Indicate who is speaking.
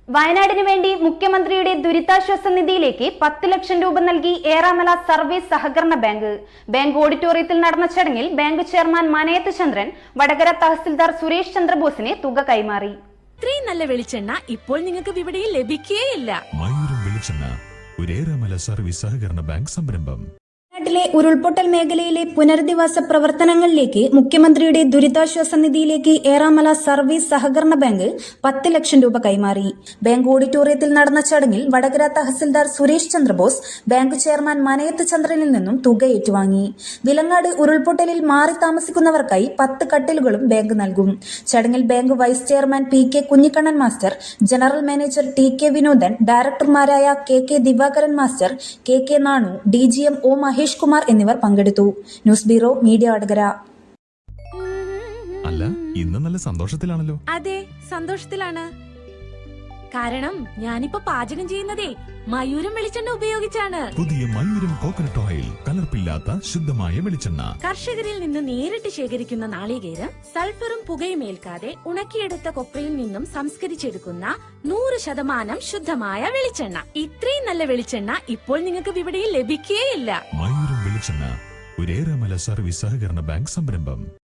Speaker 1: വയനാടിന് വേണ്ടി മുഖ്യമന്ത്രിയുടെ ദുരിതാശ്വാസ നിധിയിലേക്ക് 10 ലക്ഷം രൂപ നൽകി ഏറാമല സർവീസ് സഹകരണ ബാങ്ക്. ബാങ്ക് ഓഡിറ്റോറിയത്തിൽ നടന്ന ചടങ്ങിൽ ബാങ്ക് ചെയർമാൻ മനയത്ത് ചന്ദ്രൻ വടകര തഹസിൽദാർ സുരേഷ് ചന്ദ്രബോസിനെ തുക കൈമാറി.
Speaker 2: ഇത്രയും നല്ല വെളിച്ചെണ്ണ ഇപ്പോൾ നിങ്ങൾക്ക് വിപണിയിൽ ലഭിക്കുകയില്ല.
Speaker 3: മയൂരം വെളിച്ചെണ്ണ ഒരു ഏറാമല സർവീസ് സഹകരണ ബാങ്ക് സംരംഭം.
Speaker 4: വയനാട്ടിലെ ഉരുൾപൊട്ടൽ മേഖലയിലെ പുനരധിവാസ പ്രവർത്തനങ്ങളിലേക്ക് മുഖ്യമന്ത്രിയുടെ ദുരിതാശ്വാസ നിധിയിലേക്ക് ഏറാമല സർവീസ് സഹകരണ ബാങ്ക് 10 ലക്ഷം രൂപ കൈമാറി. ബാങ്ക് ഓഡിറ്റോറിയത്തിൽ നടന്ന ചടങ്ങിൽ വടകര തഹസിൽദാർ സുരേഷ് ചന്ദ്രബോസ് ബാങ്ക് ചെയർമാൻ മനയത്ത് ചന്ദ്രനിൽ നിന്നും തുക ഏറ്റുവാങ്ങി. വിലങ്ങാട് ഉരുൾപൊട്ടലിൽ മാറി താമസിക്കുന്നവർക്കായി 10 കട്ടിലുകളും ബാങ്ക് നൽകും. ചടങ്ങിൽ bank vice chairman PK Kunhikannan master, general manager TK Vinodan, ഡയറക്ടർമാരായ KK Divakaran master, KK Nanu, DGM O Mahesh Kumar എന്നിവർ പങ്കെടുത്തു. News bureau media Vadakara.
Speaker 3: അല്ല, ഇന്ന് നല്ല സന്തോഷത്തിലാണല്ലോ.
Speaker 2: അതെ, സന്തോഷത്തിലാണ്. കാരണം ഞാനിപ്പോ പാചകം ചെയ്യുന്നതേ മയൂരം വെളിച്ചെണ്ണ ഉപയോഗിച്ചാണ്.
Speaker 3: പുതിയ മയൂരം കോക്കനട്ട് ഓയിൽ, കലർപ്പില്ലാത്ത ശുദ്ധമായ വെളിച്ചെണ്ണ.
Speaker 2: കർഷകരിൽ നിന്ന് നേരിട്ട് ശേഖരിക്കുന്ന നാളികേരം സൾഫറും പുകയും ഏൽക്കാതെ ഉണക്കിയെടുത്ത കൊപ്രയിൽ നിന്നും സംസ്കരിച്ചെടുക്കുന്ന 100% ശുദ്ധമായ വെളിച്ചെണ്ണ. ഇത്രയും നല്ല വെളിച്ചെണ്ണ ഇപ്പോൾ നിങ്ങൾക്ക് വിപണിയിൽ ലഭിക്കുകയില്ല.
Speaker 3: മയൂരം വെളിച്ചെണ്ണ ഒരു ഏറാമല സർവീസ് സഹകരണ ബാങ്ക് സംരംഭം.